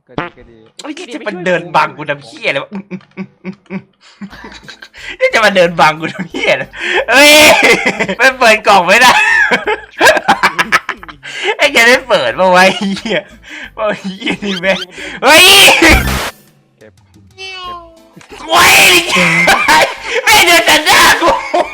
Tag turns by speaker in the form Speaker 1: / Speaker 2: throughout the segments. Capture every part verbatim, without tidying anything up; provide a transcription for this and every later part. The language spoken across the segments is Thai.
Speaker 1: ก็ดีก็ดี
Speaker 2: ไอ้ที่จะมาเดินบังกูทำเหี้ยอะไรวะนี่จะมาเดินบังกูทำเหี้ยอะไรเฮ้ยไม่เปิดกล่องไม่ได้ไอ้แกได้เปิดมาไว้เหี้ยว่าเหี้ยนี่แม่เฮ้ย
Speaker 1: เก็บ
Speaker 2: โอ้ยไม่เดินตัดหน้ากู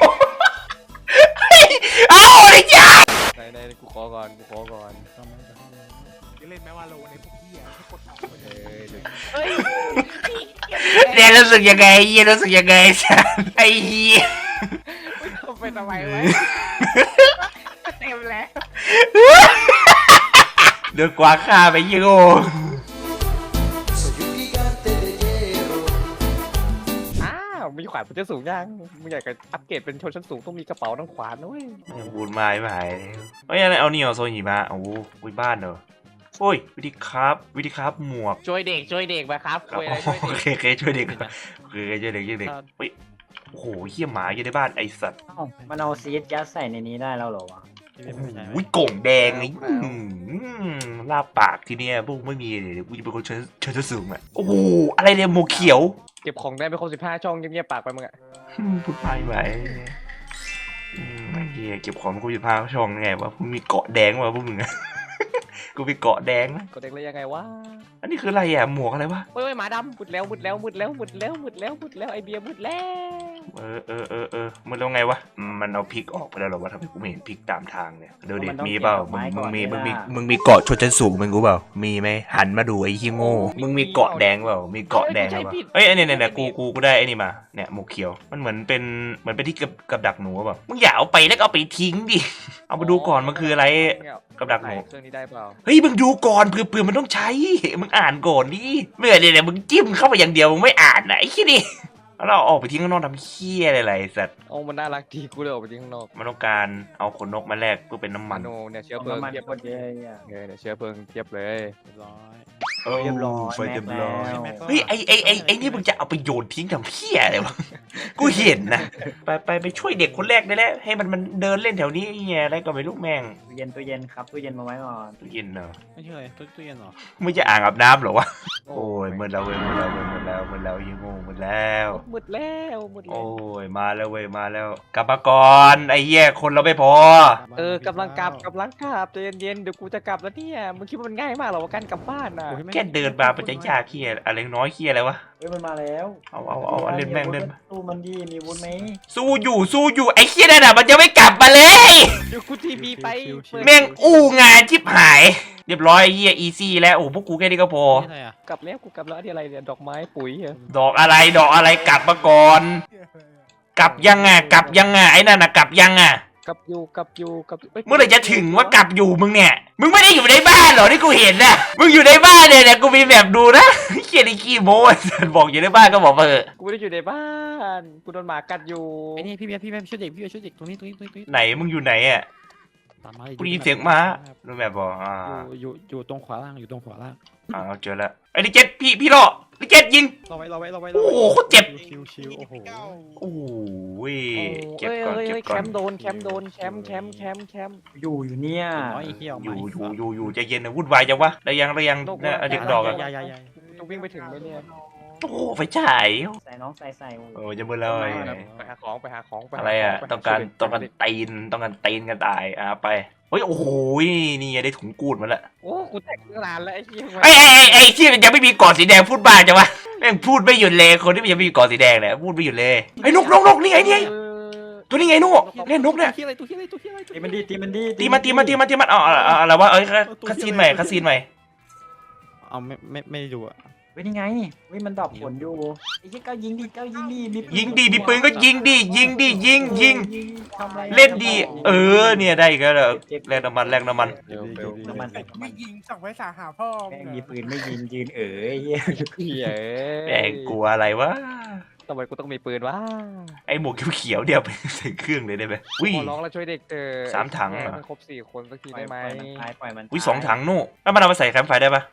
Speaker 2: เอ้าไอ้จ้า
Speaker 1: ในในกูขอก่อนกูขอก่อน
Speaker 3: เล่นแม้ว่าโลในพวกเหี้ยให้กด
Speaker 1: เฮ้ย
Speaker 2: เดี๋ยวรู้สึกยังไงเหี้ยรู้สึกยังไงสัสไอ้เหี้ย
Speaker 1: ไปทำไมวะเต็มแล้ว
Speaker 2: เดินกวาฆ่าไปยี่โง่
Speaker 1: อ้าวมีขวานมันจะสูงยังมึงอยากจะอัปเกรดเป็นชนชั้นสูงต้องมีกระเป๋าทั้งขวานด้วย
Speaker 2: บูนไม้ไม่หายเฮ้ยอะไรเอานี่เอาโซนหิมะโอ้โหบ้านเนอะโอ้ยวิธีครับวิธีครับหมวก
Speaker 1: ช่วยเด็กช่วยเด็กมาครับช่วยอะไรช่วยเด็ก
Speaker 2: โอเคโอเคช่วยเด็กโอเคช่วยเด็กช่วยเด็กเฮ้ยโอ้โหเหี้ยหมาอยู่ในบ้านไอสัตว์
Speaker 4: มันเอาซีดยัดใส่ในนี้ได้แล้วเหรอวะ
Speaker 2: วิโก่งแดงไงลาปากทีเนี้ยพวกไม่มีเลยกูจะเป็นคนเชิญเชิญสูงอ่ะโอ้โหอะไรเนี่ยหมวกเขียว
Speaker 1: เก็บของได้ไม่ครบสิบห้าช่องเงียบๆปากไปมึงอ่ะ
Speaker 2: พูดไปไหมเฮียเก็บของกูจะพาช่องไงวะพวกมีเกาะแดงวะพวกมึงอะกูมีเกาะแดงนะ
Speaker 1: เกาะแดงเลยยังไงวะ
Speaker 2: อันนี้คืออะไรอ่ะหมวกอะไรวะ
Speaker 1: เฮ้ยหมาดำมุดแล้วมุดแล้วมุดแล้วมุดแล้วมุดแล้วมุดแล้วไอเบียมุดแล้ว
Speaker 2: เออเออเออเออมันแล้วไงวะมันเอาพริกออกไปแล้วหรอวะทำไมกูไม่เห็นพริกตามทางเนี่ยเดี๋ยวดิมีเปล่ามึงมึงมีมึงมีมึงมีเกาะชนชั้นสูงมึงรู้เปล่ามีไหมหันมาดูไอ้ขี้โง่มึงมีเกาะแดงเปล่ามีเกาะแดงเปล่าเฮ้ยเนี่ยเนี่ยเนี่ยกูกูกูได้ไอ้นี่มาเนี่ยหมวกเขียวมันเหมือนเป็นเหมือนเป็นที่กับกับดักหนูเปล่ามึงอย่าเอาไปแล้วก็เอาไปทิ้งดิเอามาดูก่อนมันคืออะไรกับดักหนู
Speaker 1: เครื่องนี้ได้เปล่า
Speaker 2: เฮ้ยมึงดูก่อนเผื่อเผื่อมันต้องใช้มึงอ่านก่อนดิเมื่อเนี่ยมึงจิ้มเข้าไปอย่างเดียวมึงไม่อ่านไหนขี้ดิแล้วเราออกไปทิ้งข้างนอกทำเคี้ยอะไรๆสัตว์
Speaker 1: โอ้มันน่ารักดีกูเลยออกไปทิ้งข้างนอก
Speaker 2: มันต้องการเอาขนนกมาแลกเพื่อเป็นน้ำมัน
Speaker 1: โนเนี่ยเชื้อเพลิง
Speaker 4: เทียบเลย
Speaker 1: เนี่ยเชื้อเพลิงเทียบเลย
Speaker 3: เรียบร้อย
Speaker 4: เรียบร้อย
Speaker 2: ไฟเต็มร้อยเฮ้ยไอไอไอไอนี่มึงจะเอาไปโยนทิ้งทำเพี้ยอะไรวะกูเห็นนะไปไปไปช่วยเด็กคนแรกได้แล้วให้มันมันเดินเล่นแถวนี้ไอ้เงี้ยอะไรก็ไม่รู้แม่ง
Speaker 4: ตู้เย็นตู้เย็นครับตู้เย็นมาไว้ก่อน
Speaker 2: ตู้เย็นเนอะ
Speaker 3: ไม่ใช่ตู้ตู้เย็นหรอ
Speaker 2: ไม่จะอ่างอาบน้ำหรอวะโอ้ยมืดแล้วเว้ยมืดแล้วเว้ยมืดแล้วมืดแล้วยังงงมืดแล้ว
Speaker 1: มืดแล้วมืดแล้ว
Speaker 2: โอ้ยมาแล้วเว้ยมาแล้วกลับมาก่อนไอ้เหี้ยคนเราไม่พอ
Speaker 1: เออกำลังกลับกำลังกลับใจเย็นๆเดี๋ยวกูจะกลับแล้วเนี่ยมึงคิดว่ามันง่ายมากหรอว่าการกลับบ้านน่ะ
Speaker 2: แค่เดินมาเป็นจะยากเหี้ยอะไรน้อยเหี้ยอะไรวะ
Speaker 4: เฮ้ยมันมาแล้ว
Speaker 2: เอาเอาเอาเล่นแม่งเล่น
Speaker 4: สู้มันดีมีวุ้นไหม
Speaker 2: สู้อยู่สู้อยู่ไอ้เหี้ยนั่นน่ะมันจะไม่กลับมาเลย
Speaker 1: เดี๋ยวกูทีวีไป
Speaker 2: แม่งอู้งานชิบหายเรียบร้อยไอ้เหี้ยอีซี่แล้วโอ้พวกกูแค่นี้ก็พ
Speaker 1: อกลับแล้วกูกลับแล้วนี่อะไรเนี่ยดอกไม้ปุ๋ย
Speaker 2: ดอกอะไรดอกอะไรกลับมาก่อนกลับยังไงกลับยังไงไอ้นั่นน่ะกลับยังไง
Speaker 1: กลับอยู่กลับอยู่กลับ
Speaker 2: เมื่อไหร่จะถึงว่ากลับอยู่มึงเนี่ยมึงไม่ได้อยู่ในบ้านหรอที่กูเห็นน่ะมึงอยู่ในบ้านเนี่ยเนี่ยกูมีแบบดูนะเขียนไอ้ขี้โม้บอกอยู่ในบ้านก็บอกมาเถอะ
Speaker 1: กูไม่ได้อยู่ในบ้านกูโดนหมากัดอยู่
Speaker 3: ไอ้นี่พี่เบียร์พี่เบียร์ช่วยเด็กพี่เบียร์ช่วยเด็กตรงนี้ตรงนี้ตรงนี้
Speaker 2: ไหนมึงอยู่ไหนอ่ะกูได้ยินเสียงม้ารู้แบบบอกอ่า
Speaker 3: อยู่อยู่ตรงขวาล่างอยู่ตรงขวาล่าง
Speaker 2: อ่าเจอแล้วไอ้ดิเจ็ตพี่พี่รอดิเจ็ตยิง
Speaker 3: เราไว้เราไว้เราไว้
Speaker 2: โอ้โหเจ็บ
Speaker 3: ชิวชิวโอ้โห
Speaker 2: โอ้ย
Speaker 1: เก็บก่อนเก็บก่อนแคมโดนแคมโดนแคมแคมแคมแคม
Speaker 4: อยู่อยู่เนี่ย
Speaker 2: อยู่อยู่อยู่อยู่ใจเย็นนะวุ่นวายจังวะได้ยังได้ยังเนี่ยเด็กดอกอ่ะ
Speaker 1: จะวิ่งไปถึงไหมเนี่ย
Speaker 2: โอ้ไฟฉาย
Speaker 4: ใส่น้องใส่ใส่
Speaker 2: โอ้จะมืดแล้ว
Speaker 1: ไปหาของไปหาของ
Speaker 2: อะไรอ่ะต้องการต้องการตีนต้องการตีนกันตายอ่ะไปเฮ้ยโอ้โหนี่ได้ถุงกูดมาแล้ว
Speaker 1: โอ้กูแตกนานแล้วไอ้ที่
Speaker 2: ไอ้ไอ้ไอ้ที่มันยังไม่มีกอดสีแดงพูดบ้าจังวะแม่งพูดไม่หยุดเลยคนที่มันยังไม่มีกอดสีแดงเนี่ยพูดไม่หยุดเลยไอ้นกนกนกนี่ไงนี่ตัวนี้ไงนกเล่นนกเนี่ย
Speaker 3: ที่อะไรตัวที่อะไรตัวที่อะไร
Speaker 4: ตีมันดีตีมันดี
Speaker 2: ตีมันตีมันตีมันตีมันอ๋ออะไรวะเอ้ยคาซีนใหม่คาซีนใหม่
Speaker 3: เอาไม่ไม่ไม่ดูอ่ะ
Speaker 4: เว้ยนี่ไงเว้ยมันดอกผลอยู่ไอ้ที่เก้ายิงดิเก้ายิงดิ
Speaker 2: ยิงดิมีปืนก็ยิงดิยิงดิยิงยิงเล่นดีเออเนี่ยได้ก็แล้วแลกน้ำมันแลกน้ำมัน
Speaker 4: น้ำมัน
Speaker 3: ไม่ยิงส่งไว้สาหาพ่อ
Speaker 4: แม่งมีปืนไม่ยิงยืนเอ๋ย
Speaker 1: เฮ้ย
Speaker 2: แม่งกลัวอะไรวะ
Speaker 1: ทำไมกูต้องมีปืนวะ
Speaker 2: ไอหมวกเขียวเดี๋ยวไปใส่เครื่องเลยได้ไหม
Speaker 1: วิ่งร้องแล้วช่วยเด็กเจอ
Speaker 2: สามถัง
Speaker 1: ครบสี่คนสักทีได้ไหม
Speaker 4: ปล่อยมัน
Speaker 2: วิ่งสองถังนู่นแล้วมันเอามาใส่แคมป์ไฟได้ปะ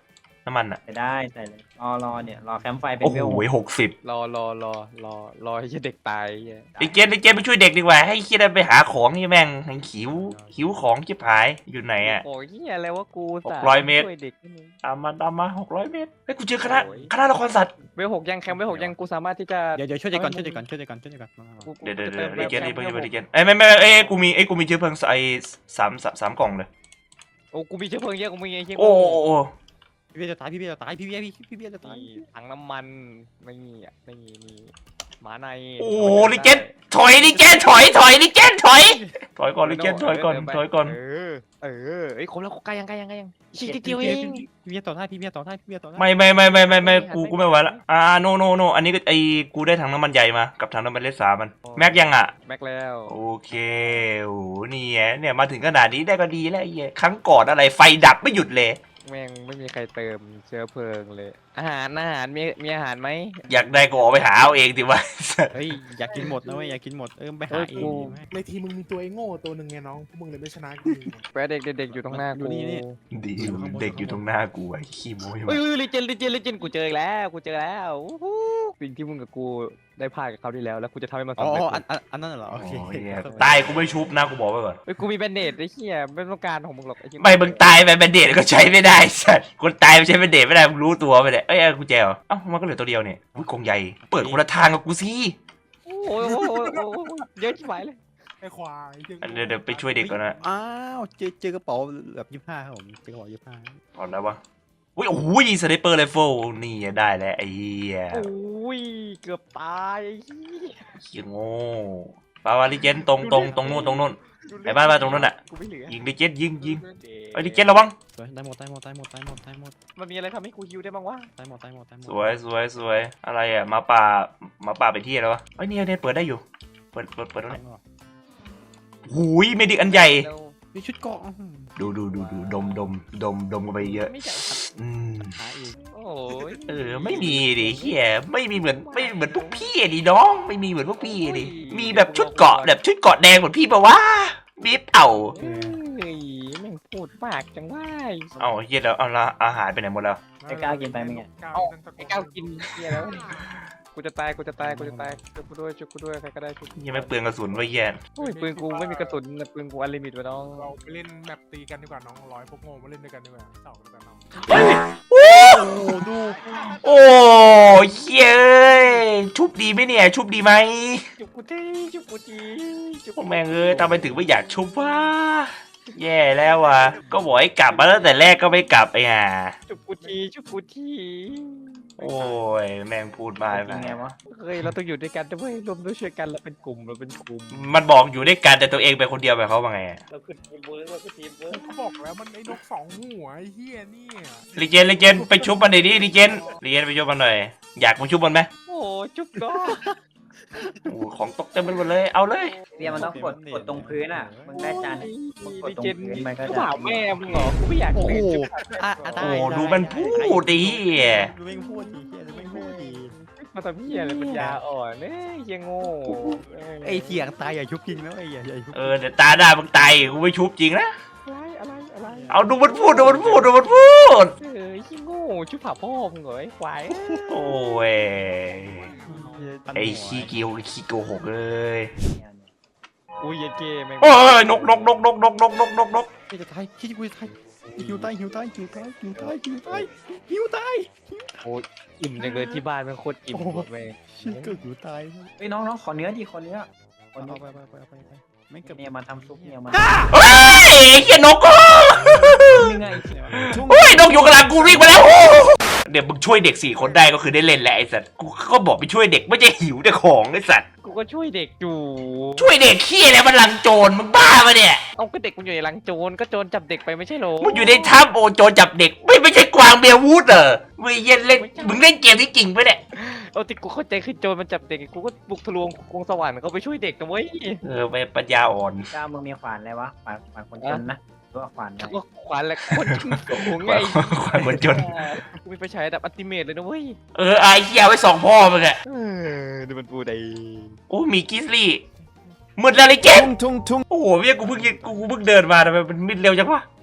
Speaker 2: น้ำมันอ่ะ
Speaker 4: ใส่ได้ใส่เลยรอรอเนี่ยรอแคมป์ไฟเป็น
Speaker 2: โอ้โห
Speaker 4: เวล
Speaker 2: หกสิบ
Speaker 1: รอรอรอรอรอให้เด็กตายเหี้ย
Speaker 2: ไอ้เจนไอ้เจนไปช่วยเด็กดีกว่าให้เคียได้ไปหาของนี่แม่งแม่งหิวหิวของชิบหายอยู่ไหนอ่ะ
Speaker 1: โอ้ยเหี้ยอะไรวะกู
Speaker 2: หกร้อยเมตร
Speaker 1: ช่วยเด็กนี่มึง
Speaker 2: ตามมาตามมาหกร้อยเมตรเฮ้ยกูเจอคณะ
Speaker 1: โอ้ย
Speaker 2: คณะละครสัตว์
Speaker 1: เวลหกยังแคมป์เวลหกยังกูสามารถที่จะ
Speaker 5: เดี๋ยวเดี๋ยวช่วยเด็กก่อนช่วยเด็กก่อนช่วยเด็กก่อนช่วยเด็กก่อน
Speaker 1: กูกู
Speaker 2: เดี๋ยวเดี๋ยว
Speaker 1: จะ
Speaker 2: เดี๋ยว
Speaker 1: เติม
Speaker 2: ไอ้เจนไอ้เพิ่ง
Speaker 1: แค
Speaker 2: ไอ้
Speaker 1: มป์
Speaker 2: เจนไอ้ยไม่ไม่เอ้ยกูมีไอ้ยกูมีเชื้อเพลิงไอ้สามสามสามกล่องเลย
Speaker 1: โอ้กูมีเชื้อเพลิงเยอะกูมีไอ้เหี้ย
Speaker 2: โอ้โอ้โอ้
Speaker 5: พี่เบียร์จะตายพี่เบียร์จะตายพี่เบียร์พี่พี่เบียร์จะตาย
Speaker 1: นี่ถังน้ำมันไม่มีอ่ะไม่มีมีหมาใน
Speaker 2: โอ้ลิเจนถอยลิเจนถอยถอยลิเจนถอยถอยก่อนลิเจนถอยก่อนถอยก่อน
Speaker 1: เออเออเอ้ยครบแล้วใกล้ยังใกล้ยังใกล้ยังอีกนิดเดียว
Speaker 5: พี่
Speaker 1: เอ
Speaker 5: เบียร์
Speaker 1: ง
Speaker 5: พี่เบียร์ต่อได้พี่เบียร์ต่อได้พี่เบียร์ต่อได้
Speaker 2: ไม่ไม่ไม่ไม่ไม่ไม่กูกูไม่ไหวละอ่าโนโนโนอันนี้ก็ไอ้กูได้ถังน้ำมันใหญ่มากับถังน้ำมันเล็กสามมันแม็กยังอ่ะ
Speaker 1: แม็กแล้ว
Speaker 2: โอเคโอ้โหนี่ไงเนี่ยมาถึงขนาดนี้ได้ก็ดีแล้วไอ้เหี้ยครั้งก่อนอะไรไฟดับไม่หยุดเลย
Speaker 1: แม่งไม่มีใครเติมเชื้อเพลิงเลย อาหารอาหารมีมีอาหารไหม
Speaker 2: อยากได้ก็ออกไปหาเอาเองดิวะ
Speaker 5: เฮ้ยอยากกินหมดนะเว้ยอยากกินหมดเออไปหาเองดีไหม
Speaker 3: ในทีมมึงมีตัวไอ้โง่ตัวหนึ่งไงน้องพวกมึงเลยไม่ชนะกู
Speaker 1: แปะเด็กเด็กอยู่ตรงหน้ากู
Speaker 2: ดีเด็กอยู่ตรงหน้ากูไอ้ขี้โม้ย
Speaker 1: เฮ้ยลิเจนลิเจนลิเจนกูเจออีกแล้วกูเจอแล้วอู้หูสิ่งที่มึงกับกูได้พลาดกับเขาวที่แล้วแล้วกูจะทำให้มัน
Speaker 5: อ๋
Speaker 1: สำเร็จ
Speaker 5: ออันอันอันนั้นเหรอโอเค
Speaker 2: ตายกูไม่ชุบนะกูบอกไว้ก่อน
Speaker 1: เฮ้ยกูมีแบนเดดไอ้เหี้ยไม่ต้องการของมึงหรอกไอ้เหี้ย
Speaker 2: ไม่มึงตายไปแบนเดดก็ใช้ไม่ได้สัตว์คนตายไม่ใช้แบนเดดไม่ได้มึงรู้ตัวไปเลยเอ้ยกูแจวเอ้ามันก็เหลือตัวเดียวเนี่ยอุ้ยกองใหญ่เปิดคนละทางกับกูสิ
Speaker 1: โอ้ยโอ้ยโอ้ยโอ้ยโอ้ยเยอะชิบหายเลย
Speaker 3: ไอ้ควาย
Speaker 2: เดี๋ยวเดี๋ยวไปช่วยเด็กก่อนนะ
Speaker 5: อ้าวเจอเจอกระเป๋าแบบยี่สิบห้าครับผมเจอกระเป๋ายี่สิบห้า
Speaker 2: ก่อนนะวะอุ้ยโอ้ยสไนเปอร์ไรเฟิลนี่ได้แล้วไอ้เหี้ย
Speaker 1: โอ้ยเกือบตายไอ้เหี้ย
Speaker 2: เหี้ยโง่ปาวาลิเจนตรงตรงตรงนู้นตรงนู้น ไอ้บ้านบ้านตรงนั้นน่ะ
Speaker 1: กูไม่เหลือ
Speaker 2: ยิงลิเจนยิงยิงไอ้ลิเจนระวัง
Speaker 5: สวยได้หมดได้หมดได้หมดได้หมดได้หมด
Speaker 1: มันมีอะไรทำให้กูฮิวได้บ้างวะ
Speaker 5: ได้หมดได้หมดได้หมด
Speaker 2: สวยสวยสวยอะไรอ่ะหมาป่าหมาป่าไปที่แล้ววะไอ้ยเนี่ยเนี่ยเปิดได้อยู่เปิดเปิดเปิดตรงนี้หูยเมดิกอันใหญ่
Speaker 1: แล้ว
Speaker 5: มีชุดเกาะ
Speaker 2: ดูดูดูดูดมดมดมดมกันไปเยอะ
Speaker 1: ไม่ใช่ครับ
Speaker 2: อืม
Speaker 5: หาอีก
Speaker 1: โอ้ย
Speaker 2: เออไม่มีดิเฮียไม่มีเหมือนไม่เหมือนพวกพี่ดิน้องไม่มีเหมือนพวกพี่ดิมีแบบชุดเกาะแบบชุดเกาะแดงเหมือนพี่ปะวะบีบเอา
Speaker 1: เฮ้ยแม่งพูดมากจังว่า
Speaker 2: เอาเฮียแล้วเอาละอาหารไปไหนหมดแล้ว
Speaker 4: ไอ้ก้าวกินไปมึงเนี่ย
Speaker 1: ไอ้ก้าวกินเหี้ยแล้วกูจะตายกูจะตายกูจะตายช่วยกูด้วยช่วยกูด้วยใครก็ได้ช่วยกู
Speaker 2: ยังไม่เปลืองกระสุนไว้เฮีย
Speaker 1: โอ้ยปืนกูไม่มีกระสุนแต่ปืนกูอันลิมิตวะน้อง
Speaker 3: เราไปเล่นแมปตีกันดีกว่าน้องร้อยพวกโง่มาเล่นด้วยกันดีกว่าเต่าด้วยกันน้อง
Speaker 2: โอ้
Speaker 5: โอ้ดู
Speaker 2: โอ้เฮียเอ้ยชุบดีไหมเนี่ยชุบดีไหม
Speaker 1: จุกกูทีจุกกูทีจุก
Speaker 2: พวกแม่งเอ้ยทำไมถึงไม่อยากชุบวะแย่แล้วว่ะก็บอกให้กลับมาตั้งแต่แรกก็ไม่กลับไอ้ห่า
Speaker 1: จุกกูทีจุกกูที
Speaker 2: โอ้ยแม่งพูดมา
Speaker 4: กินไงวะ
Speaker 1: เฮ้ยเราต้องอยู่ด้วยกันด้วยรวมด้วยช่วยกันเราเป็นกลุ่มเราเป็นกลุ่ม
Speaker 2: มันบอกอยู่ด้วยกันแต่ตัวเองเป็นคนเดียวแบบเขาว่าไงอะ
Speaker 1: เราคือทีมเวิร์กเราคือทีมเวิร์ก
Speaker 3: ก็บอกแล้วมันไอ้นกสองหัวไอ้เหี้ยเนี่ย
Speaker 2: ลีเจนลีเจนไปชุบมันหน่อยดิลีเจนลีเจนไปชุบมันหน่อยอยากมาชุบมันไหม
Speaker 1: โอ้จุกก็
Speaker 2: โอ้ของตกเต็มไปหมดเลยเอาเลย
Speaker 4: เบียร์มันต้องกดกดตรงพื้นอ่ะมึงได้จานมึงกดตรงพื้นมันก็
Speaker 1: กู
Speaker 4: จะ
Speaker 1: ถามแม่มึงเหรอกูไม่อยาก
Speaker 5: โอ้โห
Speaker 1: เล่น
Speaker 5: อ่ะอ่ะได้
Speaker 2: โอ้ดูมันพูดดิ
Speaker 5: ดูแม่งพูดดีเฮียดูแม่งพูดดี
Speaker 1: มาทำเหี้ยอะไรปัญญาอ่อนเนี่ยเหี้ยโง่
Speaker 5: ไอ้เถียงตายอย่าชุบจริงนะไอ้อย่าอย่าชุบ
Speaker 2: เออเดี๋ยวตาหน้ามึงตายกูไม่ชุบจริงนะ
Speaker 1: อะไรอะไรอะไร
Speaker 2: เอาดูมันพูดดูมันพูดดูมันพูด
Speaker 1: เออเหี้ยโง่ชุบผ่าพ่อมึงเหรอไอ้ควาย
Speaker 2: โอ้ยไอ้ขี้เกียวขี้โกหกเลย
Speaker 1: อุ้ยเย็นเกมแม่ง
Speaker 2: โอ้ยนกนกนกนกนกนกนกนกนก
Speaker 5: พี่จะตายพี่กูจะตายหิวตายหิวตายหิวตายหิวตายหิวตายหิวตาย
Speaker 1: โอ้ยอิ่มจังเลยที่บ้านแม่งโคตรอิ่มหมดแม่ง
Speaker 5: ชิก็หิวตาย
Speaker 4: เฮ้ยน้องน้องขอเนื้อดิขอเนื้อขอ
Speaker 5: เอา
Speaker 4: เนื้อ
Speaker 5: ไปไปไปไปไปไม่เก็บ
Speaker 4: เนี่ยมาทำซุปเนี่ยมา
Speaker 2: เฮ้ยไอ้เหี้ยนก
Speaker 4: นึงไง
Speaker 2: เฮ้ยนกอยู่กลางกูวิ่งมาแล้วเดี๋ยวมึงช่วยเด็กสี่คนได้ก็คือได้เล่นแหละไอ้สัตว์กูก็บอกไปช่วยเด็กไม่ใช่หิวแต่ของไอ้สัตว์
Speaker 1: กูก็ช่วยเด็กอยู่
Speaker 2: ช่วยเด็กขี้อะไรมันลังโจรมึงบ้าปะเนี่ย
Speaker 1: เอาก็เด็กมันอยู่ในรังโจรก็โจรจับเด็กไปไม่ใช่เหรอ
Speaker 2: มึงอยู่ในถ้ำโอโจรจับเด็กไม่ไม่ใช่กวางเบียร์วูดเหรอมึงเย็นเล่นมึงเล่นเกมที่จริงปะเนี่ย
Speaker 1: เอาที่กูเข้าใจคือโจรมันจับเด็กกูก็บุกทะลวงกรุงสวรรค์เขาไปช่วยเด็กนะเว้ย
Speaker 2: เออไปปัญญาอ่อน
Speaker 4: ก้าวมึงมีขวานอะไรวะขวานขวานคนจนนะหรือว่าขวานอะไร
Speaker 1: ก็ขวานแหละคนขึ้นสูงไง
Speaker 2: กวางคนจน
Speaker 1: กูมีไฟฉายดับอัลติเมทเลยนะเว้ย
Speaker 2: เออไอ้เหี้ยไว้สองพ่อมึงอะ
Speaker 1: เออดูมันปูได้
Speaker 2: โอ้มีกิสลี่มืดแล้วเลยเกมโอ้โหเมียกูเพิ่งกูกูเพิ่งเดินมาทำไมมันมืดเร็วจังวะ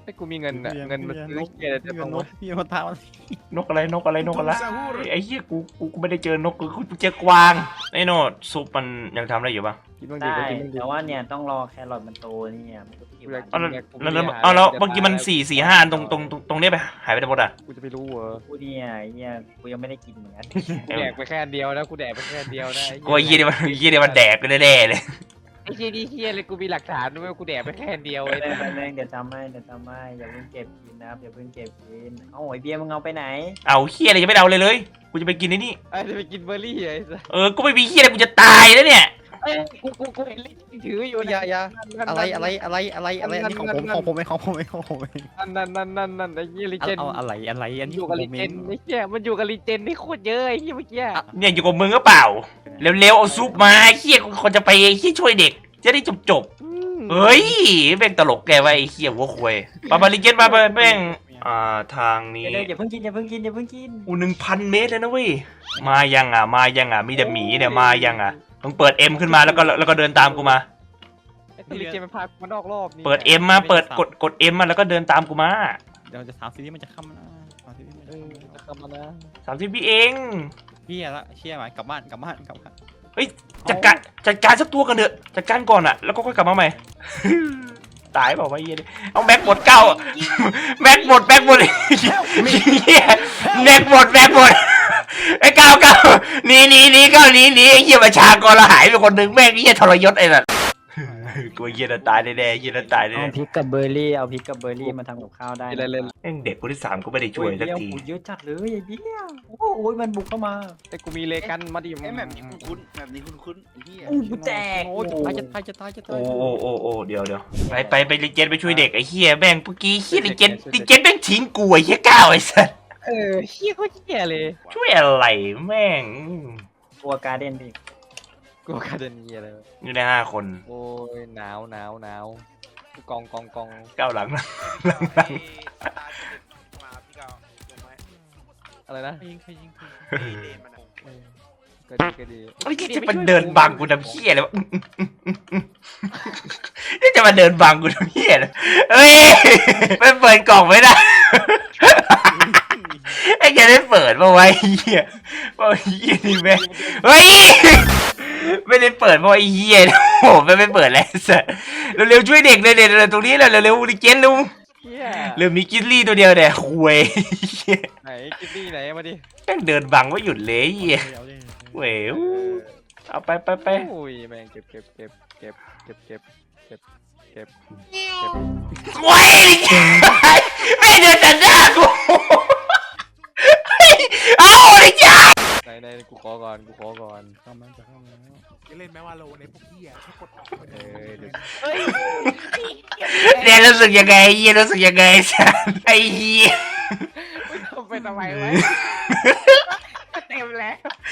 Speaker 1: ไอ้กูมีเงินอะเงินมันซื้อเกียร์จะ
Speaker 5: พี่
Speaker 1: ต้อง
Speaker 5: นกพี่มาท้ามัน
Speaker 2: นกอะไรนกอะไรนกอะไรไอ้เหี้ยกูกูกูไม่ได้เจอนกกูกูเจอกวางไอ้โนดซุปมันยังทำได้อยู่ปะ
Speaker 1: กินบ้างดี
Speaker 4: ได้
Speaker 1: ก็กินบ้างดี
Speaker 4: แต่ว่าเนี่ยต้องรอแครอทมันโตเนี่ยมันก็กิน
Speaker 2: เอาแล้วแล้วแล้วเอาแล้วเมื่อกี้มันสี่สี่ห้าอันตรงตรงตรงตรงเนี้ยไปหายไปไหนหมดอ่ะ
Speaker 1: กูจะไปรู้เหรอ
Speaker 4: กูเนี่ยไอ้เนี่ยกูยังไม่ได้กินเหมือนกัน
Speaker 1: กูแดกไปแค่อันเดียวนะกูแดกไปแค่อันเดียวนะ
Speaker 2: กูว่าเหี้ยนี่มันเหี้ยนี่มันแดกไปแน่ๆเลย
Speaker 1: ไอ้เหี้ยนี่เหี้ยเลยกูมีหลักฐานด้วยว่ากูแดกไปแค่อันเดียว
Speaker 4: ไป
Speaker 1: ไอ้
Speaker 4: เลยไปเลยเดี๋ยวทำให้เดี๋ยวทำให้อย่าเพิ่งเก็บกินนะครับอย่าเพิ่งเก็บกินเอ้าไอเบียร์มึงเอาไปไหน
Speaker 2: เอาเหี้ยอะไรยังไม่เอาเลยเลยกูจะไปกินไอ้นี่
Speaker 1: ไอ้จะไปกินเบอร์รี่ไอ้สัส
Speaker 2: เออกูไม่มีเหี้ยอะไรกูจะตายแล้วเนี่ย
Speaker 1: เอ้ยกูกูกูเห็นลิ้นถืออยู่
Speaker 5: อย่าอย่าอะไรอะไรอะไรอะไรอะไรอันนี้ของผมของผมเองของผมเองของผมเอง
Speaker 1: นั่นนั่นนั่นนั่นนั่นไอ้เหี้ยลิเจน
Speaker 5: เอาอะไรอะไรอันนี้
Speaker 1: อยู่กับลิเจนไอ้เหี้ยมันอยู่กับลิเจนนี่โคตรเยอะไอ้เหี้ยเมื่อกี้
Speaker 2: เนี่ยอยู่กับมึงก็เปล่าเร็วๆเอาซุปมาไอ้เหี้ยกูคนจะไปไอ้เหี้ยช่วยเด็กจะได้จบจบๆเฮ้ยแม่งตลกแกไว้ไอ้เหี้ยหัวควยปาบาลิเกนมาไปแม่งอ่าทางนี้
Speaker 4: เดี๋ยวอย่าเพิ่งกินอย่าเพิ่งกินอย่าเพิ่งกิน
Speaker 2: อูหนึ่งพันเมตรเลยนะเว้ยมายังอ่ะมายังอ่ะมีแต่หมีเนี่ยมายังอ่ะมึงเปิดเอ็มขึ้นมาแล้วก็แล้วก็เดินตามกูมา
Speaker 1: ไอ้ตัวลิเจนมันพากูมานอกรอบนี่
Speaker 2: เปิดเอ็มมาเปิดกดกดเอ็มมาแล้วก็เดินตามกูมา
Speaker 5: เดี๋ยวจะถามซีรีส์มันจะค่ำนะถามซีรีส์มัน
Speaker 1: เอ
Speaker 5: จะ
Speaker 1: อ
Speaker 5: ค่ำนะ
Speaker 1: จะเข้ามานะ
Speaker 2: สามสิบวิเอง
Speaker 5: เฮียละเชี่ยไหมกลับบ้านกลับบ้านกลับบ้าน
Speaker 2: จัดการจัดการสักตัวกันเถอะจัดการก่อนอ่ะแล้วก็ค่อยกลับมาใหม่ ตายเปล่าวะเหี้ยนี่เอาแม็กหมดเก้าแม็กหมดแม็กหมดเหี้ยแม็กหมดแม็กหมดไอ้เก้าเก้าหนีหนีหนีเก้าหนีหนีไอ้เหี้ยประชากรเราหายไปคนหนึ่งแม่งเหี้ยทรยศไอ้นั่นกูเหี้ยน่ะตายแน่ๆเหี้ยน่ะตายแน่
Speaker 4: เอาพริกกับเบอร์รี่เอาพริกกับเบอร์รี่มาทำกับข้าวได้
Speaker 1: เล่นเล่น
Speaker 2: ๆแม่งเด็กคนที่สามก็ไม่ได้ช่วยสักที
Speaker 4: โอ้เยอะจัดเลยไอ้เบี้ยโอ้โหมันบุกเข้ามา
Speaker 1: ไอ้กูมีเลกันมาดิ
Speaker 6: ไอ้แบบนี้คุ้นๆแบบนี้คุ้นๆไอ้เหี้ย
Speaker 4: อู้กูแตก
Speaker 5: โอ้จะตายจะตายจะตายจะตาย
Speaker 2: โอ้โอ้โอ้โอ้เดี๋ยวเดี๋ยวไปไปไปลิเจนไปช่วยเด็กไอ้เหี้ยแม่งเมื่อกี้เหี้ยลิเจนลิเจนแม่งทิ้งกูไอ้เหี้ยก้าวไอ้สัส
Speaker 1: เออเฮี้ยโคตรเฮี้ยเลย
Speaker 2: ช่วยอะไรแม่ง
Speaker 4: ตัวการ์เด้นดิ
Speaker 1: กูคาเดนีอะไร
Speaker 2: อยู่ในห้าคน
Speaker 1: โอ้ยหนาวหนาวหนาวกองกองกอง
Speaker 2: ก้าวหลังนะ
Speaker 3: ตามาพี่เก่าลงไหม
Speaker 1: อะไรนะ
Speaker 5: ใครยิงใครยิงใครยิง
Speaker 3: ไอ้เลนมันอะ
Speaker 1: เออก็ดีก็ดี
Speaker 2: ไอ้ยจะมาเดินบังกูทำเหี้ยเลยวะนี่จะมาเดินบังกูทำเหี้ยเลยเฮ้ยไม่เปิดกล่องไม่ได้ไอ้แกได้เปิดมาไว้เหี้ยว่าเหี้ยนี่แม่งเฮ้ยไม่ได้เปิดมาไอ้เหี้ยโอ้โหไม่ไม่เปิดแล้วสัสเร็วๆช่วยเด็กเลยเด็กตรงนี้เลยเร็วๆดิเจนลุง
Speaker 1: เฮี้ย
Speaker 2: เริ่มมีกินลี่ตัวเดียวเนี่ยคุย
Speaker 1: ไหนกินนี่ไหนมาดิ
Speaker 2: แม่งเดินบังไม่หยุดเลยเหี้ย
Speaker 5: เอาดิ
Speaker 2: เว้ยเอาไปไปไป
Speaker 1: โอ้ยแม่งเก็บเก็บเก็บเก็บเก็บเก็บเก็บเก็บ
Speaker 2: โว้ยไม่เดินตัดหน้ากูเอาดิจ้า
Speaker 1: ไหนไหนกูขอก่อนกูขอก่อน
Speaker 5: เข้ามาจะเข้ามาแล้ว
Speaker 3: จะเล่นแม้ว่าโลในพวกเหี้ยแค่กดออกไป
Speaker 1: เอ
Speaker 3: เลย
Speaker 1: อเดี๋ยว
Speaker 2: เนี่ยรู้สึกยังไงเหี้ยรู้สึกยังไงสันไอ้เหี้ย
Speaker 1: ไม่ทำไปทำไมวะเต็มแล้ว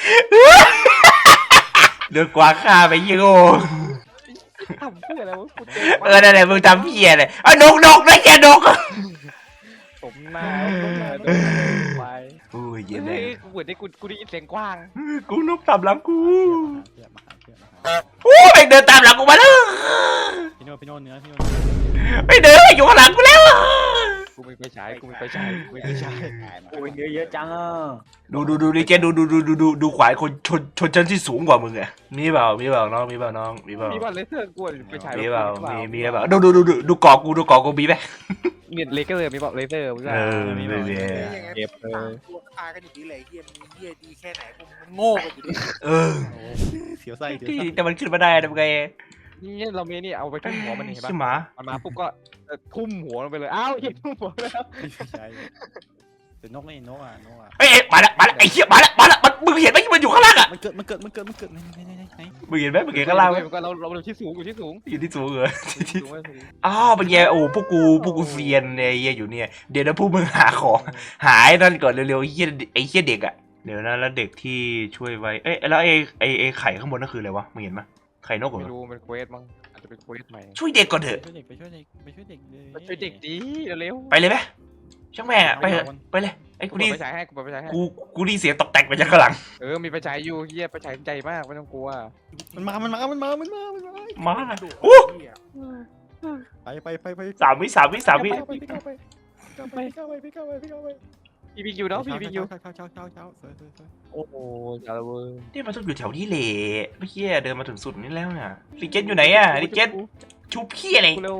Speaker 2: เดือดกว่าข้าไปยี่โง่
Speaker 1: ทำเพื่ออะไรวะกูเจ
Speaker 2: เออนั่นแหละมึงทำเหี้ยเลยไอ้นกนกนะแกนก
Speaker 1: สมหน้าสมหน้าโดนไป
Speaker 2: โอ้ยเหี้ย
Speaker 1: เฮ้
Speaker 2: แม่
Speaker 1: ยกูเหมือนได้กูกูได้ยินเสียงกว้าง
Speaker 2: กูนกตามหลังกู
Speaker 5: เพื่อนมาหาเพื่อนมาหา
Speaker 2: โอ้ยแม่งเดินตามหลังกูมาแล้ว
Speaker 5: พี่โน่พี่โน่เนื้อพี่โน่
Speaker 2: ไม่เดินอยู่ข้างหลังกูแล้ว
Speaker 1: กูมีไฟฉายกูมีไฟฉายกูมีไฟฉาย
Speaker 4: โอ้ยเยอะเยอะจังอ่ะ
Speaker 2: ดูดูดูดิเจนดูดูดูดูดูดูขวายคนชนชนชั้นที่สูงกว่ามึงอะมีเปล่ามีเปล่าน้องมีเปล่าน้องมีเปล่า
Speaker 1: มีบอลเลเซอร์กูไฟฉาย
Speaker 2: มีเปล่ามีมีเปล่าดูดูดูดูดูเกาะกูดูเกาะกูมีไหม
Speaker 1: เน็ตเลเซอร์มีบอลเลเซอร์
Speaker 2: เออมีมีมี
Speaker 3: ยังไง
Speaker 1: เก็บเล
Speaker 3: สาม
Speaker 1: ย
Speaker 3: ตัวตายกันอยู่ดีเลยเหี้ยมีเหี้ยดีแค่ไหนพวกมันโง่กันอยู่ดี
Speaker 2: เออ
Speaker 5: เสียวไส้เสียว
Speaker 2: ที่
Speaker 5: ไส้
Speaker 2: แต่มันขึ้นมาได้ทำไง
Speaker 1: นี่เรามีนี่เอาไปทุ่มหัวมันเห็นปะ
Speaker 2: ใช่หมา
Speaker 1: มันมาปุ๊บก็ทุ่มหัวลงไปเลยอ้าวเห็นทุ่มหัวแล้ว
Speaker 5: ไม่ใช่แต่นกนี่นกอ่ะนกอ่ะ
Speaker 2: เอ้ยมาละมาละไอ้เหี้ยมาละมาละมันมึงเห็นไหมมันอยู่ข้างล่างอะ
Speaker 5: มันเกิดมันเกิดมันเกิดมันเกิดไหนไหนไหนไหน
Speaker 2: มึงเห็นไหมมึงเห็นข้างล่างไหม
Speaker 1: ก็เราเราที่สูงอยู่ที่สูง
Speaker 2: อยู่ที่สูงเหรอ
Speaker 1: สูงสูง
Speaker 2: อ้าวเป็นไงโอ้พวกกูพวกกูเซียนเนี่ยไอ้เหี้ยอยู่เนี่ยเดี๋ยวนะพวกมึงหาของหาไอ้นั่นก่อนเร็วๆไอ้เหี้ยไอ้เหี้ยเด็กอะเดี๋ยวนะแล้วเด็กที่ช่วยไว้เอ้ยแล้วไอ้ไอ้ไอ้ไข่ข้างบนนั่นคืออะไรวะมึงเห็นไหมไข่นกเหร
Speaker 1: ไม่
Speaker 2: อ
Speaker 1: รู้เป็นเควสมั้งอาจจะเป็นเควสใหม่
Speaker 2: ช่วยเด็กก่อนเถอะ
Speaker 5: ไปช่วยเด็กไปช่วยเด็กไปช่วยเด็กเลย
Speaker 1: ไปช่วยเด็กดีเร็ว
Speaker 2: ไปเลยไหมช่างแม่งอะไปเถอะไปเลยไอ้
Speaker 1: กู
Speaker 2: กูดี
Speaker 1: ไปฉายให้กูไปฉายให้
Speaker 2: กูกูดีเสียงตกแตกไปจากข้างหลัง
Speaker 1: เออมีไปฉายอยู่เฮียไปฉายใจมากไม่ต้องกลัว
Speaker 5: มันมามันมามันมามันมามันมา
Speaker 2: มา
Speaker 3: ดู
Speaker 2: โอ้
Speaker 3: เหี้ย
Speaker 5: ไปไปไปไป
Speaker 2: สามวิสามวิสามวิ
Speaker 5: ไปไปไปไปไปไปไปไปไปไปไป
Speaker 1: พี่บิ๊กอยู่เนาะพี่บิ๊กอยู่
Speaker 5: เช้าเช้าเช้าเช้าสวยสวยสวย
Speaker 1: โอ้โหจาระเว้ย
Speaker 2: นี่มันต้องอยู่แถวนี้แหละเมื่อกี้เดินมาถึงสุดนี่แล้วน่ะลิเกตอยู่ไหนอะลิเกตชุบพี่อะไร
Speaker 1: กูเร็ว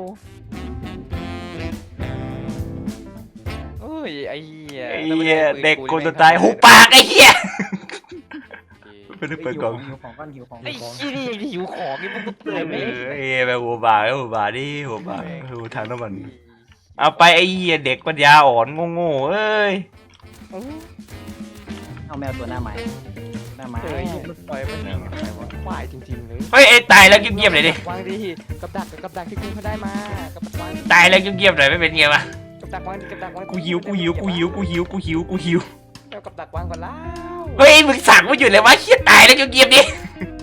Speaker 1: เอ้ยไอ้เหี้ย
Speaker 2: ไอ้เหี้ยเด็กคนจะตายหุบปากไอ้เหี้ยไม่ได้เปิดกล่อง
Speaker 4: หิวของก้อนหิวของ
Speaker 1: ไอ้
Speaker 4: หิวของ
Speaker 1: ขี้นี่ยังหิวของนี่มึงกู
Speaker 2: เอ
Speaker 1: เตือนไหม
Speaker 2: อไอ้เหี้ยแบบหัวบากไอ้หัวบากดิหัวบากดูทางน้ำมันเอาไปไอ้เหี้ยเด็กปัญญาอ่อนโง่ๆเอ้ย
Speaker 4: เอาแมวตัวหน้าไม้หน้าไม้
Speaker 1: เฮ้ยมันปล่อยมันยิงอะไรวะควายจริงๆเลย
Speaker 2: เฮ้ยไอ้ตายแล้วเงียบๆหน่อยดิ
Speaker 1: วางดิกับดักกับดักที่กูเขาได้มากับดักวาง
Speaker 2: ตายแล้วเงียบๆหน่อยไม่เป็นไงวะ
Speaker 1: กับดักวางดิกับดักวาง
Speaker 2: กูหิวกูหิวกูหิวกูหิวกูหิวกูหิว
Speaker 1: เอากับดักวางก่อนแล้ว
Speaker 2: เฮ้ยมึงสั่งมาอยู่เลยวะเหี้ยตายแล้วเงียบๆดิ
Speaker 1: เ